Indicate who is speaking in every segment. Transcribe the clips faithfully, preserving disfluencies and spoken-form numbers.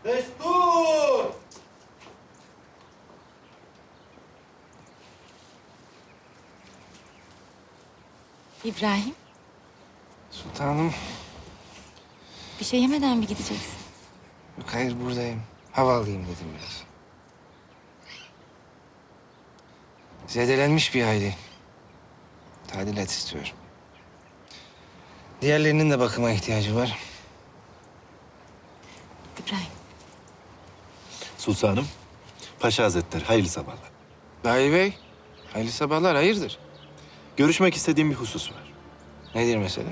Speaker 1: Destur!
Speaker 2: İbrahim,
Speaker 3: Sultanım.
Speaker 2: bir şey yemeden mi gideceksin?
Speaker 3: Yok, hayır buradayım. Hava alayım dedim biraz. Zedelenmiş bir aile. Tadilat istiyorum. Diğerlerinin de bakıma ihtiyacı var.
Speaker 2: İbrahim,
Speaker 4: Sultanım, Paşa Hazretleri hayırlı sabahlar.
Speaker 3: Dahi Bey, hayırlı sabahlar, hayırdır?
Speaker 4: Görüşmek istediğim bir husus var.
Speaker 3: Nedir mesele?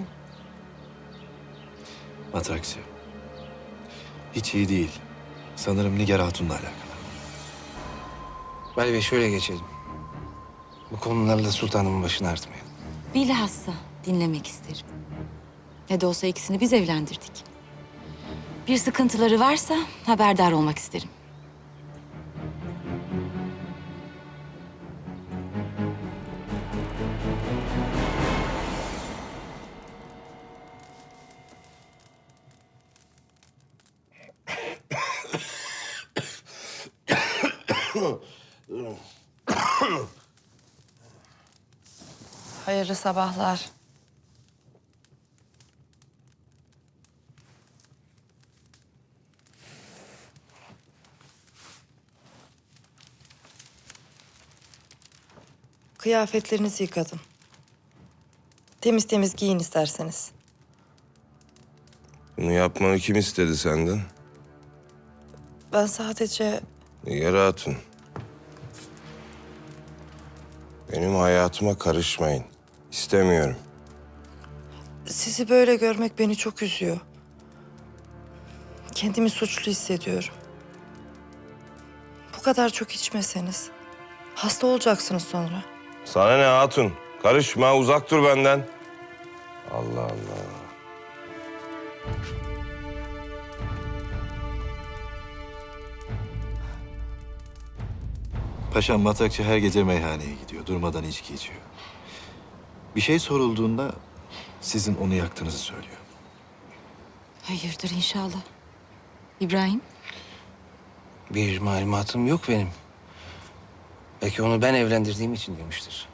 Speaker 4: Matrakçı. Hiç iyi değil. Sanırım Nigar Hatun'la alakalı.
Speaker 3: Vali Bey şöyle geçelim. Bu konularla sultanımın başını artmayalım.
Speaker 2: bilhassa dinlemek isterim. Ne de olsa ikisini biz evlendirdik. Bir sıkıntıları varsa haberdar olmak isterim.
Speaker 5: Hayırlı sabahlar. Kıyafetlerinizi yıkadım. Temiz temiz giyin isterseniz.
Speaker 6: Bunu yapmanı kim istedi senden?
Speaker 5: Ben sadece
Speaker 6: Nigar Hatun. Benim hayatıma karışmayın. İstemiyorum.
Speaker 5: sizi böyle görmek beni çok üzüyor. Kendimi suçlu hissediyorum. Bu kadar çok içmeseniz hasta olacaksınız sonra.
Speaker 6: Sana ne Hatun? Karışma, uzak dur benden. Allah Allah.
Speaker 4: Paşam Matrakçı her gece meyhaneye gidiyor. Durmadan içki içiyor. Bir şey sorulduğunda sizin onu yaktığınızı söylüyor.
Speaker 2: Hayırdır inşallah. İbrahim,
Speaker 3: Bir malumatım yok benim. Belki onu ben evlendirdiğim için demiştir.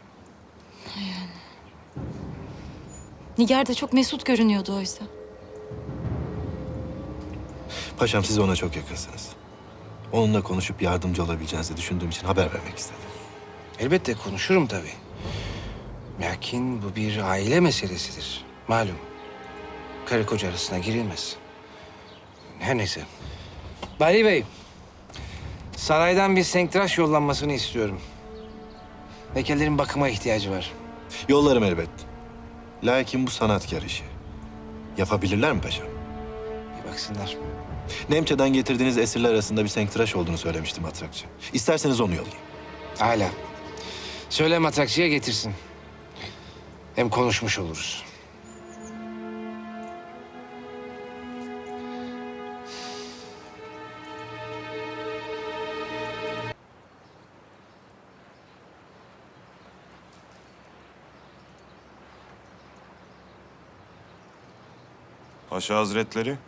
Speaker 2: Nigar da çok mesut görünüyordu oysa.
Speaker 4: Paşam siz ona çok yakınsınız. Onunla konuşup yardımcı olabileceğinizi düşündüğüm için haber vermek istedim.
Speaker 3: Elbette konuşurum tabii. Lakin bu bir aile meselesidir. Malum. Karı koca arasına girilmez. Her neyse. Bali Bey, saraydan bir senktraş yollanmasını istiyorum. Heykellerin bakıma ihtiyacı var.
Speaker 4: Yollarım elbet. Lakin bu sanatkar işi. Yapabilirler mi paşam?
Speaker 3: Bir baksınlar.
Speaker 4: Nemçe'den getirdiğiniz esirler arasında bir senktıraş olduğunu söylemişti Matrakçı. İsterseniz onu yollayayım.
Speaker 3: Hala. Söyle matrakçıya getirsin. Hem konuşmuş oluruz.
Speaker 6: Paşa Hazretleri.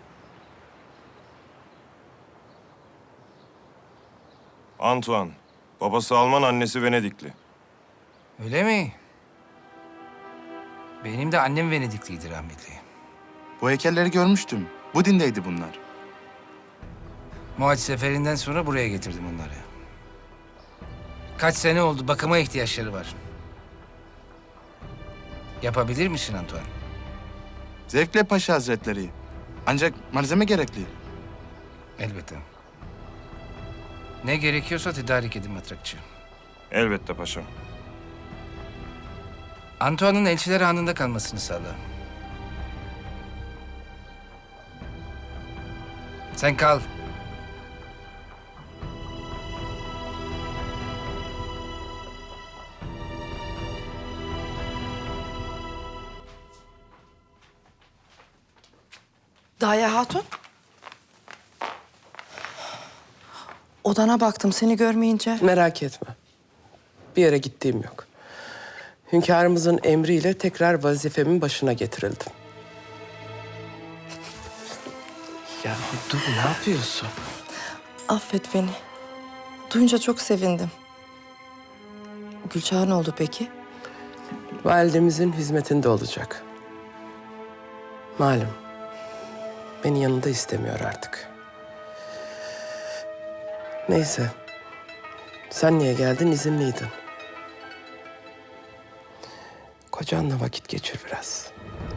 Speaker 6: Antoine. Babası Alman, annesi Venedikli.
Speaker 3: Öyle mi? Benim de annem Venedikliydi rahmetli.
Speaker 1: Bu heykelleri görmüştüm. Bu dindeydi bunlar.
Speaker 3: Muhaç seferinden sonra buraya getirdim onları. Kaç sene oldu, bakıma ihtiyaçları var. Yapabilir misin Antoine?
Speaker 1: Zevkle Paşa Hazretleri. Ancak malzeme gerekli.
Speaker 3: Elbette. Ne gerekiyorsa tedarik edin matrakçı.
Speaker 6: Elbette paşam.
Speaker 3: Antoine'ın elçiler anında kalmasını sağla. Sen kal.
Speaker 5: Daya Hatun. Odana baktım seni görmeyince.
Speaker 7: Merak etme. Bir yere gittiğim yok. Hünkârımızın emriyle tekrar vazifemin başına getirildim. Ya dur, ne yapıyorsun?
Speaker 5: Affet beni. Duyunca çok sevindim. Gülçah'a ne oldu peki?
Speaker 7: Validemizin hizmetinde olacak. Malum, beni yanında istemiyor artık. Neyse, sen niye geldin? İzinliydin. Kocanla vakit geçir biraz.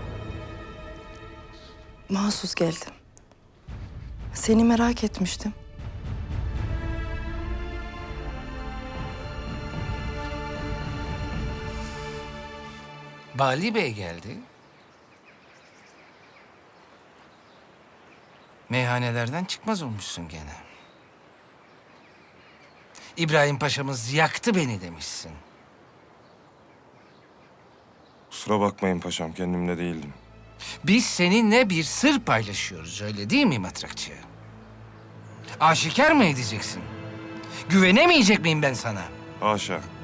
Speaker 5: Mahsus geldim. Seni merak etmiştim.
Speaker 3: Bali Bey geldi. Meyhanelerden çıkmaz olmuşsun gene. İbrahim Paşa'mız yaktı beni demişsin.
Speaker 6: Kusura bakmayın paşam, kendimde değildim.
Speaker 3: Biz seninle bir sır paylaşıyoruz, öyle değil mi matrakçı? Aşikar mı edeceksin? Güvenemeyecek miyim ben sana?
Speaker 6: Haşa.